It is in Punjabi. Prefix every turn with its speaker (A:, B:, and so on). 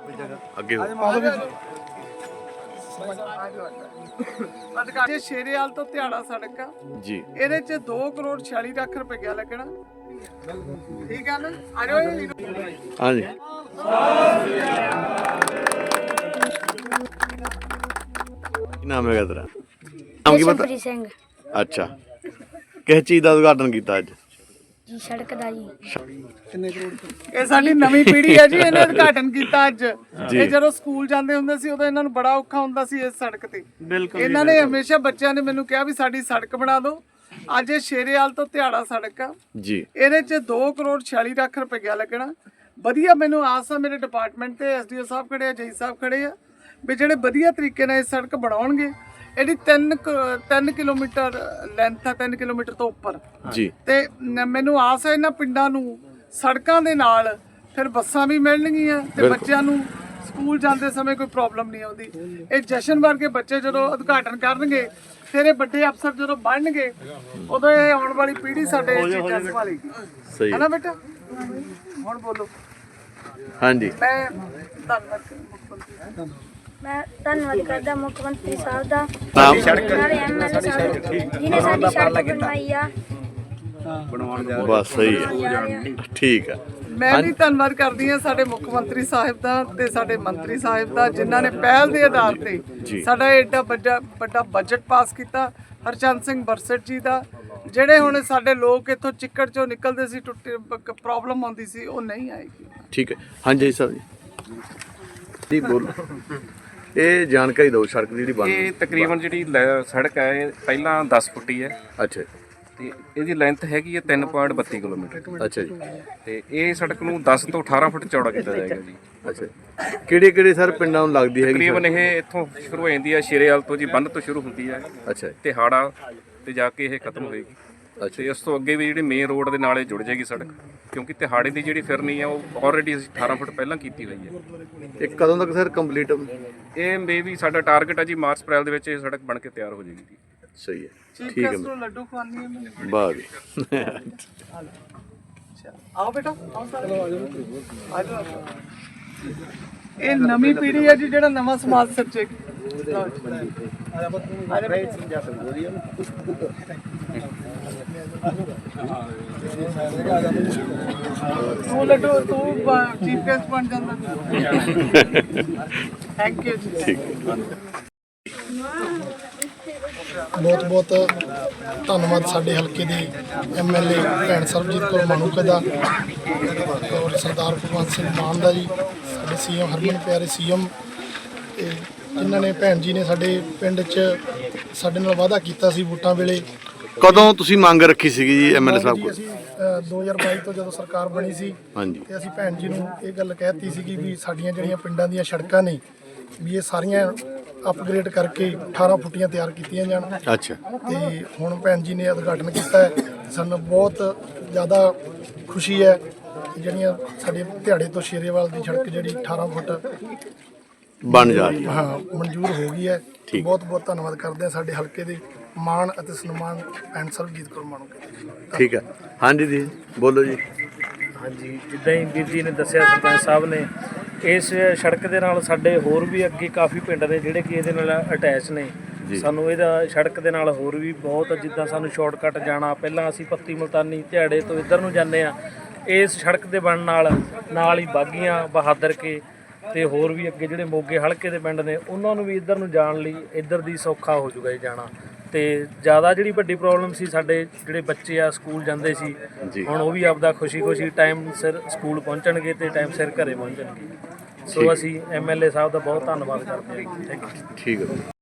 A: ਅੱਗੇ ਹੋ
B: ਅੱਜ ਸ਼ੇਰੇਵਾਲ ਤੋਂ ਧਿਆੜਾ ਸੜਕ ਆ
A: ਜੀ।
B: ਇਹਦੇ ਚ 2 ਕਰੋੜ 46 ਲੱਖ ਰੁਪਇਆ ਲੱਗਣਾ। ਠੀਕ ਆ ਨਾ? ਆ ਜਾਓ
A: ਹਾਂਜੀ। ਕੀ ਨਾਮ ਹੈਗਾ ਤੇਰਾ? ਨਾਮ ਕੀ ਪਤਾ?
C: ਜਸ਼ਨਪ੍ਰੀਤ ਸਿੰਘ
A: ਅੱਛਾ, ਕਿਸ ਚੀਜ਼ ਦਾ ਉਦਘਾਟਨ ਕੀਤਾ ਅੱਜ?
C: ਜੀ ਸੜਕ ਦਾ ਜੀ।
B: ਇਹ ਸਾਡੀ ਨਵੀਂ ਪੀੜ੍ਹੀ ਹੈ ਜੀ, ਇਹਨੇ ਉਦਘਾਟਨ ਕੀਤਾ ਅੱਜ। ਇਹ ਜਦੋਂ ਸਕੂਲ ਜਾਂਦੇ ਹੁੰਦੇ ਸੀ ਉਦੋਂ ਇਹਨਾਂ ਨੂੰ ਬੜਾ ਔਖਾ ਹੁੰਦਾ ਸੀ ਇਸ ਸੜਕ ਤੇ। ਇਹਨਾਂ ਨੇ ਹਮੇਸ਼ਾ ਬੱਚਿਆਂ ਨੇ ਮੈਨੂੰ ਕਿਹਾ ਵੀ ਸਾਡੀ ਸੜਕ ਬਣਾ ਦਿਓ। ਅੱਜ ਇਹ ਸ਼ੇਰੇਵਾਲ ਤੋਂ ਧਿਆੜਾ ਸੜਕ ਆ
A: ਜੀ।
B: ਇਹਦੇ ਚ 2 ਕਰੋੜ 46 ਲੱਖ ਰੁਪਇਆ ਲੱਗਣਾ। ਵਧੀਆ ਮੈਨੂੰ ਆਸ ਆ, ਮੇਰੇ ਡਿਪਾਰਟਮੈਂਟ ਤੇ ਐਸਡੀਓ ਸਾਹਿਬ ਖੜੇ ਆ, ਜਈ ਸਾਹਿਬ ਖੜੇ ਆ, ਵੀ ਜਿਹੜੇ ਵਧੀਆ ਤਰੀਕੇ ਨਾਲ ਇਹ ਸੜਕ ਬਣਾਉਣਗੇ। ਇਹਦੀ 3 ਕਿਲੋਮੀਟਰ ਲੈਂਥ ਆ, 3 ਕਿਲੋਮੀਟਰ ਤੋਂ ਉੱਪਰ
A: ਜੀ। ਤੇ
B: ਮੈਨੂੰ ਆਸ ਹੈ ਇਹਨਾਂ ਪਿੰਡਾਂ ਨੂੰ ਸੜਕਾਂ ਦੇ ਨਾਲ ਫਿਰ ਬੱਸਾਂ ਵੀ ਮਿਲਣਗੀਆਂ ਤੇ ਬੱਚਿਆਂ ਨੂੰ ਸਕੂਲ ਜਾਂਦੇ ਸਮੇਂ ਕੋਈ ਪ੍ਰੋਬਲਮ ਨਹੀਂ ਆਉਂਦੀ। ਇਹ ਜਸ਼ਨ ਵਰਗੇ ਬੱਚੇ ਜਦੋਂ ਉਦਘਾਟਨ ਕਰਨਗੇ, ਫਿਰ ਇਹ ਵੱਡੇ ਅਫਸਰ ਜਦੋਂ ਬਣਨਗੇ, ਉਦੋਂ ਇਹ ਆਉਣ ਵਾਲੀ ਪੀੜ੍ਹੀ ਸਾਡੇ ਚੀਜ਼ਾਂ ਸੰਭਾਲੇਗੀ।
A: ਸਹੀ
B: ਹੈ ਨਾ ਬੇਟਾ? ਹੁਣ ਬੋਲੋ।
A: ਹਾਂਜੀ।
B: ਮੈਂ
C: ਧੰਨਵਾਦ ਕਰਦਾ ਮੁੱਖ ਮੰਤਰੀ ਸਾਹਿਬ ਦਾ,
A: ਨਾਮ?
C: ਨਾਲੇ ਐਮਐਲਏ ਸਾਹਿਬ ਜਿਹਨੇ ਸਾਡੀ ਸੜਕ ਬਣਵਾਈ ਆ।
A: ਬਸ ਸਹੀ ਹੈ, ਠੀਕ ਹੈ।
B: ਮੈਂ ਵੀ ਧੰਨਵਾਦ ਕਰਦੀ ਹਾਂ ਸਾਡੇ ਮੁੱਖ ਮੰਤਰੀ ਸਾਹਿਬ ਦਾ ਤੇ ਸਾਡੇ ਮੰਤਰੀ ਸਾਹਿਬ ਦਾ, ਜਿਨ੍ਹਾਂ ਨੇ ਪਹਿਲ ਦੇ ਆਧਾਰ ਤੇ ਸਾਡਾ ਏਡਾ ਵੱਡਾ ਬਜਟ ਪਾਸ ਕੀਤਾ। ਹਰਚੰਦ ਸਿੰਘ ਬਰਸਟ ਜੀ ਦਾ, ਜਿਹੜੇ ਹੁਣ ਸਾਡੇ ਲੋਕ ਇੱਥੋਂ ਚਿੱਕੜ ਚੋਂ ਨਿਕਲਦੇ ਸੀ, ਟੁੱਟੇ ਪ੍ਰੋਬਲਮ ਆਉਂਦੀ ਸੀ, ਉਹ ਨਹੀਂ ਆਏਗੀ।
A: ਠੀਕ ਹੈ। ਹਾਂਜੀ ਸਾਹਿਬ ਜੀ ਬੋਲੋ, ਇਹ ਜਾਣਕਾਰੀ ਦਿਓ ਸੜਕ ਦੀ ਜਿਹੜੀ ਬਣ ਰਹੀ ਹੈ।
D: ਇਹ ਤਕਰੀਬਨ ਜਿਹੜੀ ਸੜਕ ਹੈ ਇਹ ਪਹਿਲਾਂ 10 ਫੁੱਟੀ ਹੈ
A: ਅੱਛਾ
D: ਤੇ ਇਹਦੀ ਲੈਂਥ ਹੈਗੀ ਹੈ 3.32 ਕਿਲੋਮੀਟਰ।
A: ਅੱਛਾ ਜੀ।
D: ਤੇ ਇਹ ਸੜਕ ਨੂੰ 10 ਤੋਂ 18 ਫੁੱਟ ਚੌੜਾ ਕੀਤਾ ਜਾਏਗਾ ਜੀ।
A: ਅੱਛਾ, ਕਿਹੜੇ ਕਿਹੜੇ ਸਰ ਪਿੰਡਾਂ ਨੂੰ ਲੱਗਦੀ ਹੈਗੀ?
D: ਤਕਰੀਬਨ ਇਹ ਇੱਥੋਂ ਸ਼ੁਰੂ ਹੋ ਜਾਂਦੀ ਹੈ ਸ਼ੇਰੇਵਾਲ ਤੋਂ ਜੀ, ਬੰਨ ਤੋਂ ਸ਼ੁਰੂ ਹੁੰਦੀ ਹੈ
A: ਅੱਛਾ
D: ਤੇ ਹਾੜਾ ਤੇ ਜਾ ਕੇ ਇਹ ਖਤਮ ਹੋਏਗੀ। ਤੇ ਇਸ ਤੋਂ ਅੱਗੇ ਵੀ ਜਿਹੜੀ ਮੇਨ ਰੋਡ ਦੇ ਨਾਲ ਇਹ ਜੁੜ ਜਾਏਗੀ ਸੜਕ, ਕਿਉਂਕਿ ਤਿਹਾੜੇ ਦੀ ਜਿਹੜੀ ਫਿਰਨੀ ਹੈ ਉਹ ਆਲਰੇਡੀ ਅਸੀਂ 18 ਫੁੱਟ ਪਹਿਲਾਂ ਕੀਤੀ ਹੋਈ ਹੈ।
A: ਇਹ ਕਦੋਂ ਤੱਕ ਸਰ ਕੰਪਲੀਟ?
D: ਇਹ ਮੇਬੀ ਸਾਡਾ ਟਾਰਗੇਟ ਹੈ ਜੀ ਮਾਰਚ ਅਪ੍ਰੈਲ ਦੇ ਵਿੱਚ ਇਹ ਸੜਕ ਬਣ ਕੇ ਤਿਆਰ ਹੋ ਜਾਏਗੀ ਜੀ।
A: ਸਹੀ ਹੈ,
B: ਚੀਫ
A: ਠੀਕ ਹੈ।
B: ਗੈਸਟ ਨੂੰ ਲੱਡੂ ਖਵਾਉਣੀ ਹੈ ਮੈਨੂੰ।
A: ਵਾਹ ਜੀ।
B: ਆਓ ਬੇਟਾ, ਆਓ ਸਾਰੇ ਆ ਜਾਓ। ਇਹ ਨਵੀਂ ਪੀੜ੍ਹੀ ਹੈ ਜੀ, ਜਿਹੜਾ ਨਵਾਂ ਸਮਾਜ ਸਿਰਜੇਗੀ। ਤੂੰ ਲੱਡੂ, ਤੂੰ ਚੀਫ ਗੈਸਟ ਬਣ ਜਾਂਦਾ। ਥੈਂਕ ਯੂ ਜੀ।
E: ਬਹੁਤ ਬਹੁਤ ਧੰਨਵਾਦ ਸਾਡੇ ਹਲਕੇ ਦੇ ਐਮਐਲਏ ਭੈਣ ਸਰਬਜੀਤ ਕੌਰ ਮਾਣੂਕੇ ਦਾ ਔਰ ਸਰਦਾਰ ਭਗਵੰਤ ਸਿੰਘ ਮਾਨ ਦਾ ਜੀ, ਸਾਡੇ ਸੀਐਮ ਹਰਮਨ ਪਿਆਰੇ ਸੀਐਮ, ਤੇ ਜਿਨ੍ਹਾਂ ਨੇ ਭੈਣ ਜੀ ਨੇ ਸਾਡੇ ਪਿੰਡ 'ਚ ਸਾਡੇ ਨਾਲ ਵਾਅਦਾ ਕੀਤਾ ਸੀ ਵੋਟਾਂ ਵੇਲੇ।
A: ਕਦੋਂ ਤੁਸੀਂ ਮੰਗ ਰੱਖੀ ਸੀਗੀ ਜੀ ਐਮਐਲਏ ਸਾਹਿਬ ਕੋਲ?
E: ਅਸੀਂ 2022 ਤੋਂ ਜਦੋਂ ਸਰਕਾਰ ਬਣੀ ਸੀ
A: ਹਾਂਜੀ।
E: ਤੇ ਅਸੀਂ ਭੈਣ ਜੀ ਨੂੰ ਇਹ ਗੱਲ ਕਹਿਤੀ ਸੀਗੀ ਵੀ ਸਾਡੀਆਂ ਜਿਹੜੀਆਂ ਪਿੰਡਾਂ ਦੀਆਂ ਸੜਕਾਂ ਨੇ ਵੀ ਇਹ ਸਾਰੀਆਂ ਅਪਗ੍ਰੇਡ ਕਰਕੇ 18 ਫੁੱਟੀਆਂ ਤਿਆਰ ਕੀਤੀਆਂ ਜਾਣ।
A: ਅੱਛਾ।
E: ਤੇ ਹੁਣ ਭੈਣ ਜੀ ਨੇ ਉਦਘਾਟਨ ਕੀਤਾ ਹੈ, ਸਾਨੂੰ ਬਹੁਤ ਜ਼ਿਆਦਾ ਖੁਸ਼ੀ ਹੈ। ਜਿਹੜੀਆਂ ਸਾਡੇ ਦਿਹਾੜੇ ਤੋਂ ਸ਼ੇਰੇਵਾਲ ਦੀ ਸੜਕ ਜਿਹੜੀ 18 ਫੁੱਟ
A: ਬਣ ਜਾ ਰਹੀ ਹੈ।
E: ਹਾਂ ਮਨਜ਼ੂਰ ਹੋ ਗਈ ਹੈ। ਬਹੁਤ ਬਹੁਤ ਧੰਨਵਾਦ ਕਰਦੇ ਹਾਂ ਸਾਡੇ ਹਲਕੇ ਦੇ ਮਾਣ ਅਤੇ ਸਨਮਾਨ ਭੈਣ ਸਰਬਜੀਤ ਕੌਰ ਮਾਣੂਕੇ।
A: ਠੀਕ ਹੈ। ਹਾਂਜੀ ਜੀ ਬੋਲੋ ਜੀ।
F: ਹਾਂਜੀ, ਜਿੱਦਾਂ ਹੀ ਵੀਰ ਜੀ ਨੇ ਦੱਸਿਆ ਸਰਪੰਚ ਸਾਹਿਬ ਨੇ, ਇਸ ਸੜਕ ਦੇ ਨਾਲ ਸਾਡੇ ਹੋਰ ਵੀ ਅੱਗੇ ਕਾਫੀ ਪਿੰਡ ਨੇ ਜਿਹੜੇ ਕਿ ਇਹਦੇ ਨਾਲ ਅਟੈਚ ਨੇ। ਸਾਨੂੰ ਇਹਦਾ ਸੜਕ ਦੇ ਨਾਲ ਹੋਰ ਵੀ ਬਹੁਤ, ਜਿੱਦਾਂ ਸਾਨੂੰ ਸ਼ਾਰਟਕਟ ਜਾਣਾ, ਪਹਿਲਾਂ ਅਸੀਂ ਪੱਤੀ ਮੁਲਤਾਨੀ ਧਿਆੜੇ ਤੋਂ ਇੱਧਰ ਨੂੰ ਜਾਂਦੇ ਆ, ਇਸ ਸੜਕ ਦੇ ਬਣਨ ਨਾਲ ਹੀ ਬਾਗੀਆਂ, ਬਹਾਦਰ ਕੇ ਤੇ ਹੋਰ ਵੀ ਅੱਗੇ ਜਿਹੜੇ ਮੋਗੇ ਹਲਕੇ ਦੇ ਪਿੰਡ ਨੇ ਉਹਨਾਂ ਨੂੰ ਵੀ ਇੱਧਰ ਨੂੰ ਜਾਣ ਲਈ ਇੱਧਰ ਦੀ ਸੌਖਾ ਹੋ ਜਾਊਗਾ ਜੀ ਜਾਣਾ। ਤੇ ਜ਼ਿਆਦਾ ਜਿਹੜੀ ਵੱਡੀ ਪ੍ਰੋਬਲਮ ਸੀ, ਸਾਡੇ ਜਿਹੜੇ ਬੱਚੇ ਆ ਸਕੂਲ ਜਾਂਦੇ ਸੀ, ਹੁਣ ਉਹ ਵੀ ਆਪਦਾ ਖੁਸ਼ੀ ਟਾਈਮ ਸਿਰ ਸਕੂਲ ਪਹੁੰਚਣਗੇ ਤੇ ਟਾਈਮ ਸਿਰ ਘਰੇ ਪਹੁੰਚਣਗੇ। ਸੋ ਅਸੀਂ ਐਮਐਲਏ ਸਾਹਿਬ ਦਾ ਬਹੁਤ ਧੰਨਵਾਦ ਕਰਦੇ ਹਾਂ। Thank you.
A: ਠੀਕ ਹੈ।